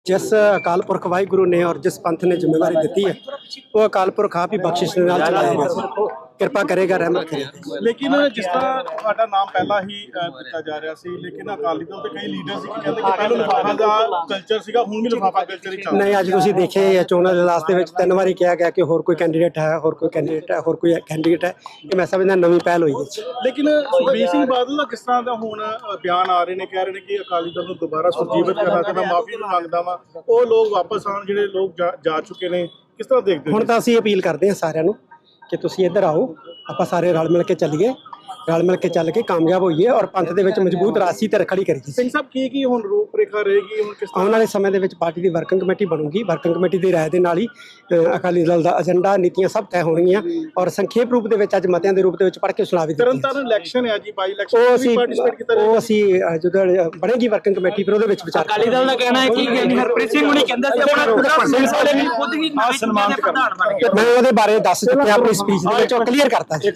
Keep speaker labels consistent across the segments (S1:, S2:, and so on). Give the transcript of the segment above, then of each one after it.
S1: जिस अकाल पुरख वाहिगुरु ने और जिस पंथ ने जिम्मेवारी दी है वो अकाल पुरख आप ही बख्शिश के नाल चलाएगा, किरपा करेगा, रहमत करेगा।
S2: लेकिन जिस तरह ਤੁਹਾਡਾ ਨਾਮ ਪਹਿਲਾਂ ਹੀ ਦਿੱਤਾ ਜਾ ਰਿਹਾ ਸੀ, ਲੇਕਿਨ ਅਕਾਲੀ ਦਲ ਦੇ ਕਈ ਲੀਡਰ ਸੀ ਕਿ ਕਹਿੰਦੇ ਕਿ ਪਹਿਲਾਂ ਲਿਫਾਫਾ ਦਾ ਕਲਚਰ ਸੀਗਾ, ਹੁਣ ਵੀ ਲਿਫਾਫਾ ਕਲਚਰ ਹੀ ਚੱਲ ਰਿਹਾ।
S1: नहीं, अज तुसीं देखे चोणां दे लास्ट दे विच 3 वारी कहा गया कि होर कोई कैंਡੀਡੇਟ है, होर कोई कैंਡੀਡੇਟ है, होर कोई कैंਡੀਡੇट है। ये मैं समझदा नवीं पहल होई है।
S2: ਲੇਕਿਨ ਸੁਖਬੀਰ ਸਿੰਘ ਬਾਦਲ ਦਾ ਕਿਸ ਤਰ੍ਹਾਂ ਦਾ ਹੁਣ ਬਿਆਨ ਆ ਰਹੇ ਨੇ, ਕਹਿ ਰਹੇ ਨੇ ਕਿ ਅਕਾਲੀ ਦਲ ਨੂੰ ਦੁਬਾਰਾ ਸੁਰਜੀਵਿਤ ਕਰਨਾ ਤੇ ਮੈਂ ਮਾਫੀ ਵੀ ਮੰਗਦਾ ਵਾਂ, ਉਹ ਲੋਕ ਵਾਪਸ ਆਉਣ ਜਿਹੜੇ ਲੋਕ ਜਾ ਚੁੱਕੇ ਨੇ। ਕਿਸ ਤਰ੍ਹਾਂ ਦੇਖਦੇ ਹੋ?
S1: ਹੁਣ ਤਾਂ ਅਸੀਂ ਅਪੀਲ ਕਰਦੇ ਹਾਂ ਸਾਰਿਆਂ ਨੂੰ ਕਿ ਤੁਸੀਂ ਇੱਧਰ ਆਓ, ਆਪਾਂ ਸਾਰੇ ਰਲ ਮਿਲ ਕੇ ਚੱਲੀਏ, ਰਲ ਮਿਲ ਕੇ ਚੱਲ ਕੇ ਕਾਮਯਾਬ ਹੋਈਏ ਔਰ ਪੰਥ ਦੇ ਵਿੱਚ ਮਜ਼ਬੂਤ ਰਾਸੀ ਤੇ ਰਖੜੀ ਕਰੀਏ।
S2: ਸਿੰਘ ਸਾਹਿਬ ਕੀ ਹੁਣ ਰੂਪ ਰੇਖਾ ਰਹੇਗੀ, ਹੁਣ ਕਿਸ ਤਰ੍ਹਾਂ
S1: ਆਉਣ ਵਾਲੇ ਸਮੇਂ ਦੇ ਵਿੱਚ ਪਾਰਟੀ ਦੀ ਵਰਕਿੰਗ ਕਮੇਟੀ ਬਣੂਗੀ। ਵਰਕਿੰਗ ਕਮੇਟੀ ਦੀ ਰਾਏ ਦੇ ਨਾਲ ਹੀ ਅਕਾਲੀ ਦਲ ਦਾ ਏਜੰਡਾ, ਨੀਤੀਆਂ ਸਭ ਤੈਅ ਹੋਣਗੀਆਂ ਔਰ ਸੰਖੇਪ ਰੂਪ ਦੇ ਵਿੱਚ ਅੱਜ ਮਤਿਆਂ ਦੇ ਰੂਪ ਦੇ ਵਿੱਚ ਪੜ੍ਹ ਕੇ ਸੁਣਾ ਵੀ ਦਿੱਤੀ।
S2: ਤਰਨਤਾਰਨ ਇਲੈਕਸ਼ਨ ਹੈ ਜੀ, ਬਾਈ ਇਲੈਕਸ਼ਨ
S1: ਉਹ
S2: ਤੁਸੀਂ ਪਾਰਟਿਸਿਪੇਟ ਕੀਤਾ
S1: ਉਹ ਅਸੀਂ ਜਦੋਂ ਬਣੇਗੀ ਵਰਕਿੰਗ ਕਮੇਟੀ ਫਿਰ ਉਹਦੇ ਵਿੱਚ ਵਿਚਾਰ
S3: ਅਕਾਲੀ ਦਲ ਦਾ ਕਹਿਣਾ ਹੈ ਕਿ ਹਰਪ੍ਰੀਤ ਸਿੰਘ ਹੁਣੀ ਕਹਿੰਦਾ ਸੀ ਆਪਣਾ ਪੂਰਾ ਸਿਲਸਿਲੇ ਵੀ ਖੁਦ ਹੀ ਨਵੇਂ ਸਨਮਾਨ ਦੇ ਪ੍ਰਧਾਨ ਬਣ ਗਏ।
S1: ਮੈਂ ਉਹਦੇ ਬਾਰੇ ਦੱਸ ਚੁੱਕਿਆ ਆਪਣੀ ਸਪੀਚ ਦੇ ਵਿੱਚ, ਉਹ ਕਲੀਅਰ ਕਰਤਾ ਸੀ।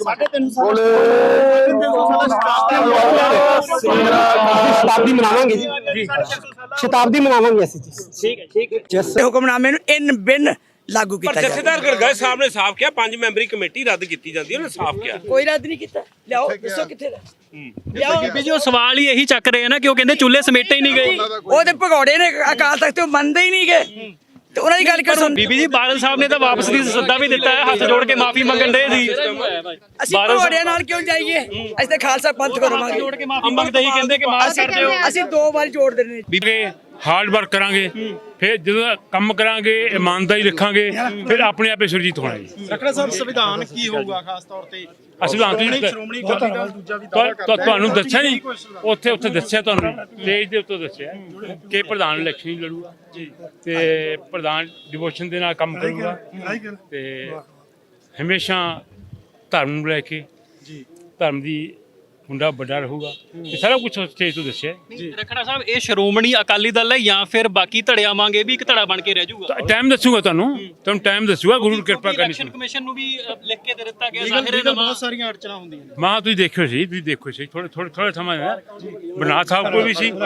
S2: 350
S1: ਸ਼ਤਾਬਦੀ ਮਨਾਵਾਂਗੇ ਜੀ, ਸ਼ਤਾਬਦੀ ਮਨਾਵਾਂਗੇ ਅਸੀਂ ਜੀ।
S3: ਠੀਕ ਹੈ
S1: ਜਿਸ
S4: ਹੁਕਮਨਾਮੇ ਨੂੰ ਇਨ ਬਿਨ ਲਾਗੂ ਕੀਤਾ ਜਾਵੇ।
S5: ਜਥੇਦਾਰ ਗਰਗਾਈ ਸਾਹਿਬ ਨੇ ਸਾਫ਼ ਕਿਹਾ 5 ਮੈਂਬਰੀ ਕਮੇਟੀ ਰੱਦ ਕੀਤੀ ਜਾਂਦੀ ਹੈ, ਉਹਨੇ ਸਾਫ਼ ਕਿਹਾ।
S4: ਕੋਈ ਰੱਦ ਨਹੀਂ ਕੀਤਾ। ਲਿਆਓ ਦੱਸੋ ਕਿੱਥੇ ਦਾ ਲਿਆਓ।
S3: ਬੀਬੀ ਜੀ ਉਹ ਸਵਾਲ ਹੀ ਇਹੀ ਚੱਕ ਰਹੇ ਆ ਨਾ ਕਿ ਉਹ ਕਹਿੰਦੇ ਚੁੱਲ੍ਹੇ ਸਮੇਟੇ ਹੀ ਨਹੀਂ ਗਏ।
S4: ਉਹ ਤੇ ਭਗੌੜੇ ਨੇ ਅਕਾਲ ਤਖਤ ਤੇ ਉਹ ਮੰਨਦੇ ਹੀ ਨਹੀਂ ਗਏ ਤੇ ਉਹਨਾਂ ਦੀ ਗੱਲ ਕਰੋ।
S3: ਬੀਬੀ ਜੀ ਬਾਦਲ ਸਾਹਿਬ ਨੇ ਤਾਂ ਵਾਪਸ ਦੀ ਸੱਦਾ ਵੀ ਦਿੱਤਾ ਹੈ, ਹੱਥ ਜੋੜ ਕੇ ਮਾਫੀ ਮੰਗਣ ਦੇ ਸੀ।
S4: ਅਸੀਂ ਭਗੌੜਿਆਂ ਨਾਲ ਕਿਉਂ ਜਾਈਏ? ਅਸੀਂ ਤਾਂ ਖਾਲਸਾ ਪੰਥ ਕਰਵਾਵਾਂਗੇ।
S3: ਜੋੜ ਕੇ ਮਾਫੀ ਮੰਗਦੇ ਹੀ ਕਹਿੰਦੇ ਕਿ ਮਾਫ ਕਰ ਦਿਓ।
S4: ਅਸੀਂ 2 ਵਾਰ ਜੋੜ ਦੇਣੇ।
S6: ਬੀਬੀ ਹਾਰਡ ਵਰਕ ਕਰਾਂਗੇ, ਫਿਰ ਜਦੋਂ ਕੰਮ ਕਰਾਂਗੇ ਇਮਾਨਦਾਰੀ ਰੱਖਾਂਗੇ, ਫਿਰ ਆਪਣੇ ਆਪੇ ਸੁਰਜੀਤ ਹੋਣਾ ਜੀ।
S2: ਰਖੜਾ ਸਾਹਿਬ ਸੰਵਿਧਾਨ ਕੀ ਹੋਊਗਾ ਖਾਸ ਤੌਰ ਤੇ?
S6: ਅਸੀਂ
S2: ਸ਼੍ਰੋਮਣੀ ਅਕਾਲੀ ਦਲ ਦੂਜਾ ਵੀ ਦਾਅਵਾ ਕਰਦਾ ਹੈ।
S6: ਤੁਹਾਨੂੰ ਦੱਸਿਆ ਨਹੀਂ, ਉੱਥੇ ਦੱਸਿਆ, ਤੁਹਾਨੂੰ ਸਟੇਜ ਦੇ ਉੱਤੇ ਦੱਸਿਆ ਕਿ ਪ੍ਰਧਾਨ ਇਲੈਕਸ਼ਨ ਹੀ ਲੜੂਗਾ ਤੇ ਪ੍ਰਧਾਨ ਡਿਵੋਸ਼ਨ ਦੇ ਨਾਲ ਕੰਮ ਕਰੂਗਾ ਤੇ ਹਮੇਸ਼ਾ ਧਰਮ ਨੂੰ ਲੈ ਕੇ ਧਰਮ ਦੀ ਮੁੰਡਾ ਵੱਡਾ ਰਹੂਗਾ। ਇਹ ਸਾਰਾ ਕੁਝ ਸਟੇਜ ਤੋਂ ਦੱਸਿਆ।
S3: ਰਖੜਾ ਸਾਹਿਬ ਇਹ ਸ਼੍ਰੋਮਣੀ ਅਕਾਲੀ ਦਲ ਹੈ ਜਾਂ ਫਿਰ ਬਾਕੀ ਧੜਿਆਂ ਵਾਂਗੇ ਵੀ ਇੱਕ ਧੜਾ ਬਣ ਕੇ ਰਹਿ ਜਾਊਗਾ?
S6: ਟਾਈਮ ਦੱਸੂਗਾ, ਤੁਹਾਨੂੰ ਟਾਈਮ ਦੱਸੂਗਾ। ਗੁਰੂ ਕਿਰਪਾ ਕਰਨੀ।
S3: ਇਲੈਕਸ਼ਨ ਕਮਿਸ਼ਨ ਨੂੰ ਵੀ ਲਿਖ ਕੇ ਦੇ ਦਿੱਤਾ ਗਿਆ।
S2: ਲੀਗਲ ਬਹੁਤ ਸਾਰੀਆਂ ਅੜਚਣਾ ਹੁੰਦੀਆਂ ਨੇ।
S6: ਮਾਂ ਤੁਸੀਂ ਦੇਖਿਓ ਸੀ, ਥੋੜਾ ਸਮਾਂ ਬਣਾ ਸਾਹਿਬ ਕੋਈ ਵੀ ਸੀ।